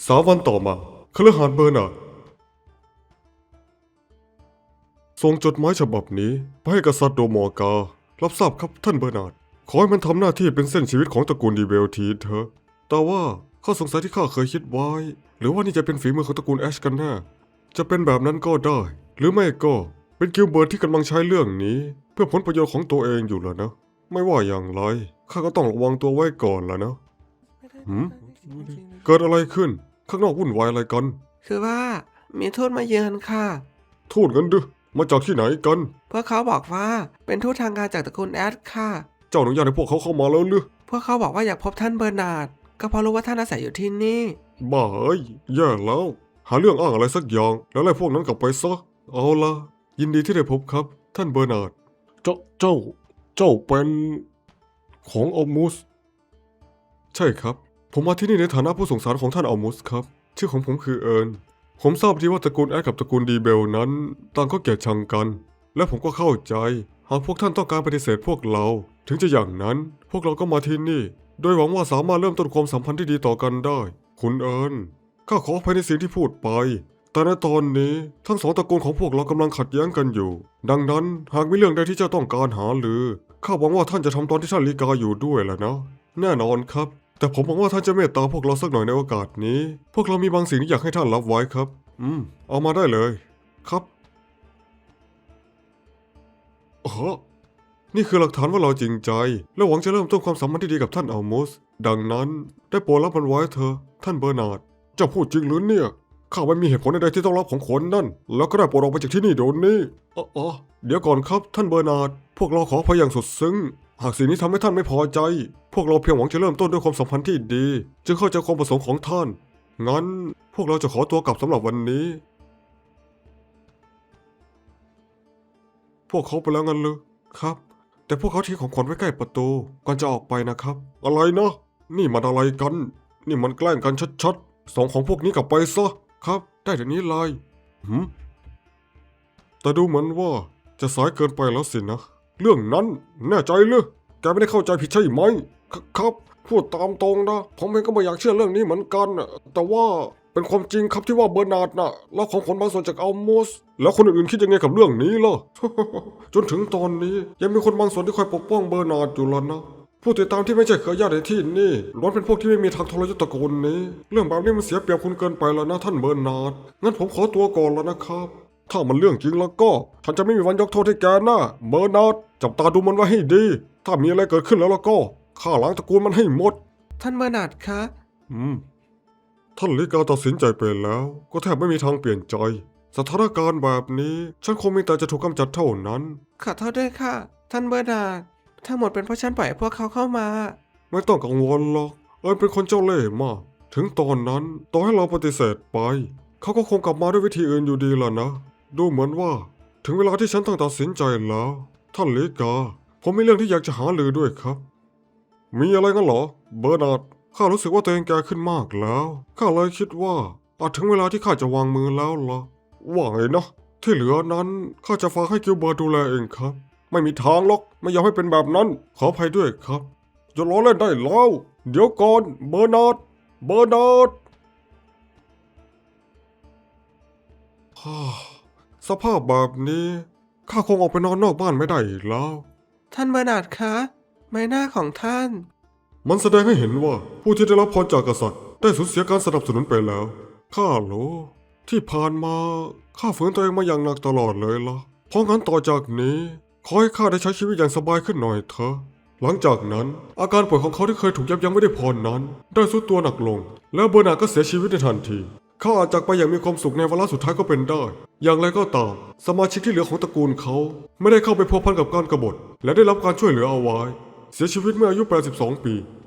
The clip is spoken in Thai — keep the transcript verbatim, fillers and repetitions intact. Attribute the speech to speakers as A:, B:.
A: สามวันต่อมาคฤหาสน์เบอร์นาร์ดส่งจดหมายฉบับนี้ไปให้กษัตริย์โดมอร์การับทราบครับท่านเบอร์นาร์ดขอให้มันทำหน้าที่เป็นเส้นชีวิตของตระกูลดีเบลทีเถอะแต่ว่าข้อสงสัยที่ข้าเคยคิดไว้หรือว่านี่จะเป็นฝีมือของตระกูลแอชกันแน่จะเป็นแบบนั้นก็ได้หรือไม่ก็เป็นกิลเบิร์ตที่กำลังใช้เรื่องนี้เพื่อผลประโยชน์ของตัวเองอยู่แล้วนะไม่ว่าอย่างไรข้าก็ต้องระวังตัวไว้ก่อนแล้วนะหืมเกิดอะไรขึ้นข้างนอกวุ่นวายอะไรกัน
B: คือว่ามีทูตมาเยือนค่ะ
A: ทูตกันดึมาจากที่ไหนกัน
B: พวกเขาบอกว่าเป็นทูตทางการจากตระกูลแอดค่ะ
A: เจ้าอนุญาตให้พวกเขาเข้ามาแล้วหรือ
B: พวกเขาบอกว่าอยากพบท่านเบอร์นาร์ดก็เพราะรู้ว่าท่านอาศัยอยู่ที่นี่
A: บ้าเอ้ยแย่แล้ว หาเรื่องอ้างอะไรสักอย่าง แล้วไล่พวกนั้นกลับไปซะเอาละยินดีที่ได้พบครับ ท่านเบอร์นาร์ดเจ้าเจ้า เจ้าเป็นของอัลมูสใช่ครับ ผมมาที่นี่ในฐานะผู้ส่งสารของท่านอัลมูสครับ ชื่อของผมคือเอิร์นผมทราบดีว่าตระกูลแอดกับตระกูลดีเบลนั้นต่างก็เกลียดชังกัน และผมก็เข้าใจหากพวกท่านต้องการปฏิเสธพวกเรา ถึงจะอย่างนั้น พวกเราก็มาที่นี่ โดยหวังว่าสามารถเริ่มต้นความสัมพันธ์ที่ดีต่อกันได้ คุณเอิร์นข้าขออภัยในสิ่งที่พูดไป แต่ในตอนนี้ทั้งสองตระกูลของพวกเรากำลังขัดแย้งกันอยู่ ดังนั้นหากมีเรื่องใดที่เจ้าต้องการหาหรือข้าหวังว่าท่านจะทำตอนที่ท่านลีกาอยู่ด้วยแหละนะ แน่นอนครับ แต่ผมหวังว่าท่านจะเมตตาพวกเราสักหน่อยในโอกาสนี้ พวกเรามีบางสิ่งที่อยากให้ท่านรับไว้ครับ อืม เอามาได้เลย ครับอ๋อนี่คือหลักฐานว่าเราจริงใจ และหวังจะเริ่มต้นความสัมพันธ์ที่ดีกับท่านอัลมุส ดังนั้นได้โปรดรับมันไว้เถอะท่านเบอร์นาร์ดเจ้าพูดจริงหรือเนี่ยข้าไม่มีเหตุผลใดๆที่ต้องรับของคนนั่น แล้วก็ได้โปรดออกไปจากที่นี่เดี๋ยวนี้อ๋ออ๋อเดี๋ยวก่อนครับท่านเบอร์นาร์ดพวกเราขออภัยอย่างสุดซึ้ง หากสิ่งนี้ทำให้ท่านไม่พอใจ พวกเราเพียงหวังจะเริ่มต้นด้วยความสัมพันธ์ที่ดี จึงเข้าใจความประสงค์ของท่าน งั้นพวกเราจะขอตัวกลับสำหรับวันนี้ พวกเขาไปแล้วงั้นเลยครับ แต่พวกเขาทิ้งของขวัญไว้ใกล้ประตูก่อนจะออกไปนะครับ อะไรนะ นี่มันอะไรกัน นี่มันแกล้งกันชัดๆ สองของพวกนี้กลับไปซะ ครับ ได้เดี๋ยวนี้เลยหืมแต่ดูเหมือนว่าจะสายเกินไปแล้วสินะ เรื่องนั้นแน่ใจหรือแกไม่ได้เข้าใจผิดใช่ไหมคครับ พูดตามตรงนะ ผมเองก็ไม่อยากเชื่อเรื่องนี้เหมือนกันน่ะแต่ว่าเป็นความจริงครับที่ว่าเบอร์นาร์ดน่ะรับของขวัญบางส่วนจากอัลโมสแล้วคนอื่นๆคิดยังไงกับเรื่องนี้ล่ะ จนถึงตอนนี้ยังมีคนบางส่วนที่คอยปกป้องเบอร์นาร์ดอยู่แล้วนะ ผู้ติดตามที่ไม่ใช่เครือญาติในที่นี่ล้วนเป็นพวกที่ไม่มีทางทรยศตระกูลนี้ เรื่องแบบนี้มันเสียเปรียบคุณเกินไปแล้วนะท่านเบอร์นาร์ดงั้นผมขอตัวก่อนแล้วนะครับ ถ้ามันเรื่องจริงแล้วก็ฉันจะไม่มีวันยกโทษให้แกนะเบอร์นาร์ดจับตาดูมันไว้ให้ดี ถ้ามีอะไรเกิดขึ้นแล้วแล้วก็ฆ่าล้างตระกูลมันให้หมด
B: ท่านเบอร์นาร์ดคะ
A: อืม ท่านลิกาตัดสินใจไปแล้ว ก็แทบไม่มีทางเปลี่ยนใจ สถานการณ์แบบนี้ฉันคงมีแต่จะถูกกำจัดเท่านั้น
B: ขอโทษด้วยค่ะ ท่านเบอร์นาร์ดทั้งหมดเป็นเพราะฉันปล่อยให้พวกเขาเข้ามา
A: ไม่ต้องกังวลหรอก เอิญเป็นคนเจ้าเล่ห์มาก ถึงตอนนั้นต่อให้เราปฏิเสธไป เขาก็คงกลับมาด้วยวิธีอื่นอยู่ดีล่ะนะ ดูเหมือนว่า ถึงเวลาที่ฉันต้องตัดสินใจแล้ว ท่านลิกา ผมมีเรื่องที่อยากจะหารือด้วยครับ มีอะไรกันเหรอ เบอร์นาร์ดข้ารู้สึกว่าตัวเองแก่ขึ้นมากแล้ว ข้าเลยคิดว่าอาจถึงเวลาที่ข้าจะวางมือแล้วล่ะ ว่าไงนะ ที่เหลือนั้นข้าจะฝากให้กิลเบิร์ตดูแลเองครับ ไม่มีทางหรอก ไม่ยอมให้เป็นแบบนั้น ขออภัยด้วยครับอย่าล้อเล่นได้แล้ว เดี๋ยวก่อน เบอร์นาร์ด เบอร์นาร์ด ฮ่าสภาพแบบนี้ข้าคงออกไปนอนนอกบ้านไม่ได้อีกแล้ว
B: ท่านเบอร์นาร์ดคะใบหน้าของท่าน
A: มันแสดงให้เห็นว่าผู้ที่ได้รับพรจากกษัตริย์ได้สูญเสียการสนับสนุนไปแล้ว ข้ารู้ที่ผ่านมาข้าฝืนตัวเองมาอย่างหนักตลอดเลยล่ะ เพราะงั้นต่อจากนี้ขอให้ข้าได้ใช้ชีวิตอย่างสบายขึ้นหน่อยเถอะ หลังจากนั้นอาการป่วยของเขาที่เคยถูกยับยั้งไม่ได้พรนั้น ได้ทรุดตัวหนักลง แล้วเบอร์นาร์ดก็เสียชีวิตในทันทีเขาอาจจากไปอย่างมีความสุขในวาระสุดท้ายก็เป็นได้ อย่างไรก็ตาม สมาชิกที่เหลือของตระกูลเขาไม่ได้เข้าไปพัวพันกับการกบฏและได้รับการช่วยเหลือเอาไว้ เสียชีวิตเมื่ออายุแปดสิบสองปี